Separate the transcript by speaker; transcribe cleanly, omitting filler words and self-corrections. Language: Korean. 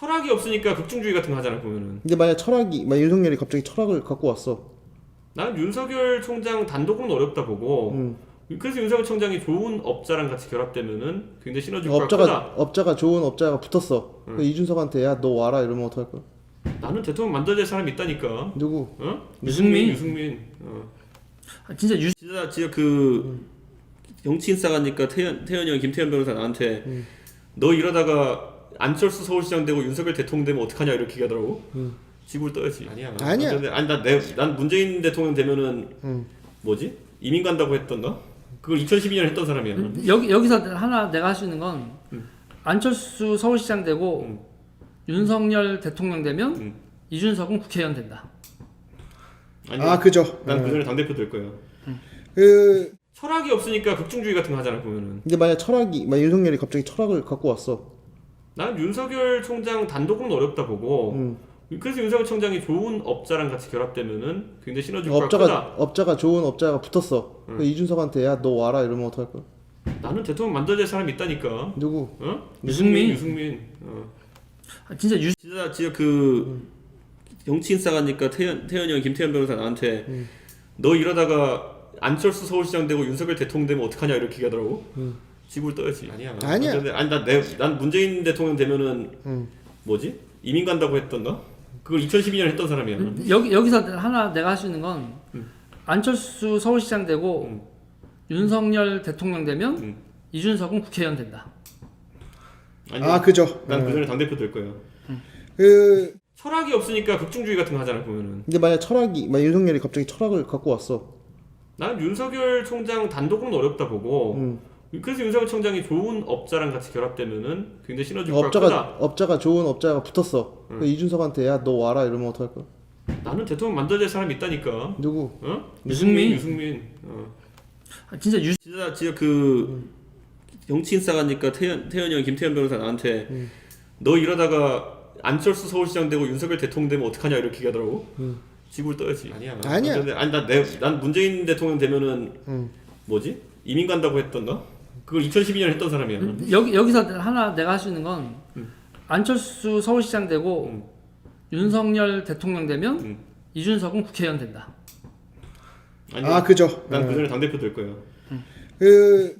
Speaker 1: 철학이 없으니까 극중주의 같은 거 하잖아 보면은.
Speaker 2: 근데 만약 윤석열이 갑자기 철학을 갖고 왔어.
Speaker 1: 나는 윤석열 총장 단독으로는 어렵다 보고. 그래서 윤석열 총장이 좋은 업자랑 같이 결합되면은 굉장히 시너지 효과가 크다.
Speaker 2: 업자가 좋은 업자가 붙었어. 그 이준석한테 야 너 와라 이러면 어떡할 거야?
Speaker 1: 나는 대통령 만들어야 될 사람이 있다니까.
Speaker 2: 누구?
Speaker 1: 어?
Speaker 3: 유승민.
Speaker 1: 진짜 그 정치인 싸가니까 태현이 형 김태현 변호사 나한테 너 이러다가 안철수 서울시장 되고 윤석열 대통령 되면 어떡하냐 이렇게 얘기하더라고. 지구를 떠야지. 아니야. 난 문재인 대통령 되면은 뭐지? 이민 간다고 했던가? 그걸 2012년에 했던 사람이야.
Speaker 3: 여기서 하나 내가 할 수 있는 건 안철수 서울시장 되고 윤석열 대통령 되면 이준석은 국회의원 된다.
Speaker 2: 아니, 그죠.
Speaker 1: 난 그 전에 당대표 될 거야. 철학이 없으니까 극중주의 같은 거 하잖아 보면은.
Speaker 2: 근데 만약 윤석열이 갑자기 철학을 갖고 왔어.
Speaker 1: 나는 윤석열 총장 단독으로는 어렵다 보고. 그래서 윤석열 총장이 좋은 업자랑 같이 결합되면은 굉장히 시너지 효과가 크다.
Speaker 2: 업자가 좋은 업자가 붙었어. 그 이준석한테 야 너 와라 이러면 어떡할 거야?
Speaker 1: 나는 대통령 만들어야 될 사람이 있다니까.
Speaker 2: 누구?
Speaker 1: 유승민. 진짜 그 정치인 싸가니까 태현이 형 김태현 변호사 나한테 너 이러다가 안철수 서울시장 되고 윤석열 대통령 되면 어떡하냐 이렇게 얘기하더라고. 지구를 떠야지. 아니야. 난 문재인 대통령 되면은 뭐지? 이민 간다고 했던가? 그걸 2012년에 했던 사람이야.
Speaker 3: 여기서 하나 내가 할 수 있는 건 안철수 서울시장 되고 윤석열 대통령 되면 이준석은 국회의원 된다.
Speaker 2: 그죠.
Speaker 1: 난 그 전에 당대표 될 거야. 철학이 없으니까 극중주의 같은 거 하잖아 보면은.
Speaker 2: 근데 만약 윤석열이 갑자기 철학을 갖고 왔어.
Speaker 1: 나는 윤석열 총장 단독으로는 어렵다 보고. 그래서 윤석열 총장이 좋은 업자랑 같이 결합되면은 굉장히 시너지 효과가 크다.
Speaker 2: 업자가 좋은 업자가 붙었어. 그 이준석한테 야 너 와라 이러면 어떡할 거야?
Speaker 1: 나는 대통령 만들어야 될 사람이 있다니까.
Speaker 2: 누구?
Speaker 1: 유승민. 진짜 그 정치인 싸가니까 태현이 형 김태현 변호사 나한테 너 이러다가 안철수 서울시장 되고 윤석열 대통령 되면 어떡하냐 이렇게 얘기하더라고. 지구를 떠야지. 아니야. 난 문재인 대통령 되면은 뭐지? 이민 간다고 했던가? 그걸 2012년에 했던 사람이야.
Speaker 3: 여기서 하나 내가 할 수 있는 건 안철수 서울시장 되고 윤석열 대통령 되면 이준석은 국회의원 된다.
Speaker 2: 그죠.
Speaker 1: 난 그 전에 당대표 될 거야.